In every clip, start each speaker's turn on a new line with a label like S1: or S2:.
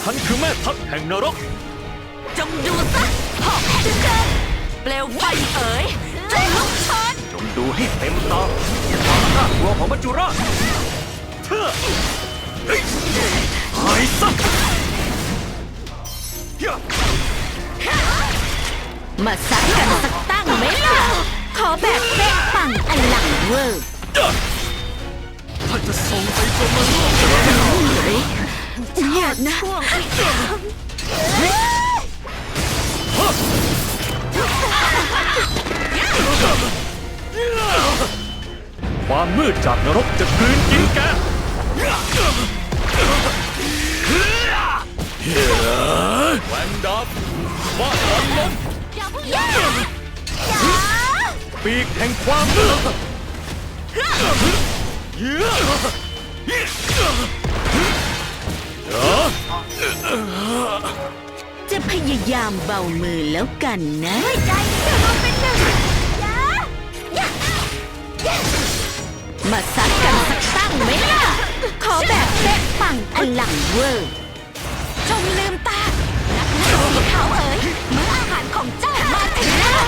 S1: ฉันคือแม่ทัพแห่งนรก
S2: จงดูซะหอกแห่งเกิดเปลวไฟเอ๋ยจงลุกโชน
S1: จงดูให้เต็มตาความน่ากลัวของมัจจุราชเธอหายซะ
S2: มาซัดกันสักตั้งไหมล่ะขอแบบเป๊ะปังอลังเวอร์
S1: ถ้าจะส่งไปจนมาโลก
S2: อย่านะ
S1: ความมืดจากนรกจะกลืนกินแกแหวนดับว่าตอนลมปีกแห่งความมืด
S2: จะพยายามเบามือแล้วกันนะใจเธอมาเป็นหนึ่งมาซัดกันสักตั้งไหมล่ะขอแบบเป๊ะปังอลังเวอร์จงลืมตานักหน้าสีขาวเอ๋ยมื้ออาหารของเจ้ามาถึงแล้ว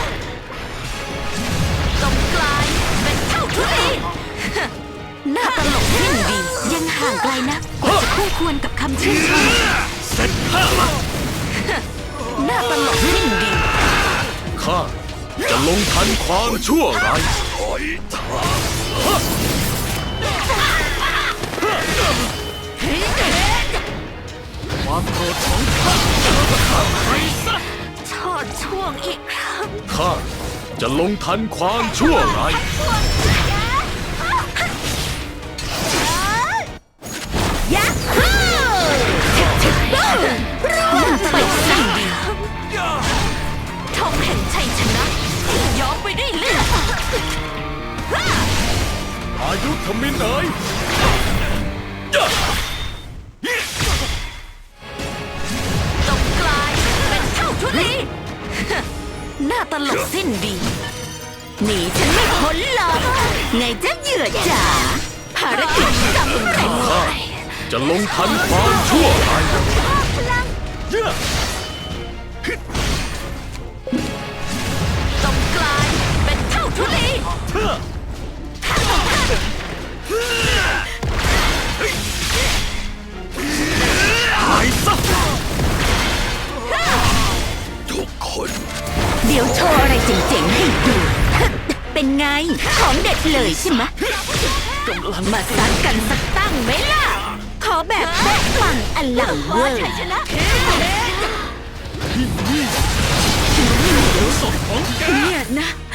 S2: จงกลายเป็นเท่าทุลีหน้าตลกยิ่งดียังห่างไกลนักกว่าจะคู่ควรกับคำชื่นชม
S1: เสร็จข้า
S2: หน้าตลกยิ่งดี
S1: ข้าจะลงทันความชั่วร้ายถอยทางความโกรธของข้าไปซะ
S2: ชอดช่วงอีกครั้ง
S1: ข้าจะลงทันความชั่วร้าย
S2: ยักษ์ชิบบ้าร่วงไปสั่งดีทองแห่งชัยชนะที่ย้อมไปด้วยเลือด
S1: อายุขมิ้นเอ๋ย
S2: จงกลายเป็นเท่าทุลีหน้าตลกสิ้นดีหนีฉันไม่พ้นหรอกไงเจ้าเหยื่อจ๋าภารกิจสำเร็จ
S1: จะลงทันความชั่วร้าย
S2: จงกลายเป็นเท่าทุลี
S1: หายซะทุกคน
S2: เดี๋ยวโชว์อะไรเจ๋งๆให้ดูเป็นไงของเด็ดเลยใช่ไหมกำลังมาซัดกันสักตั้งไหมล่ะขอแบบแป๊ะปังอลังเวอร์
S1: ศพของแก
S2: เนี่ยนะ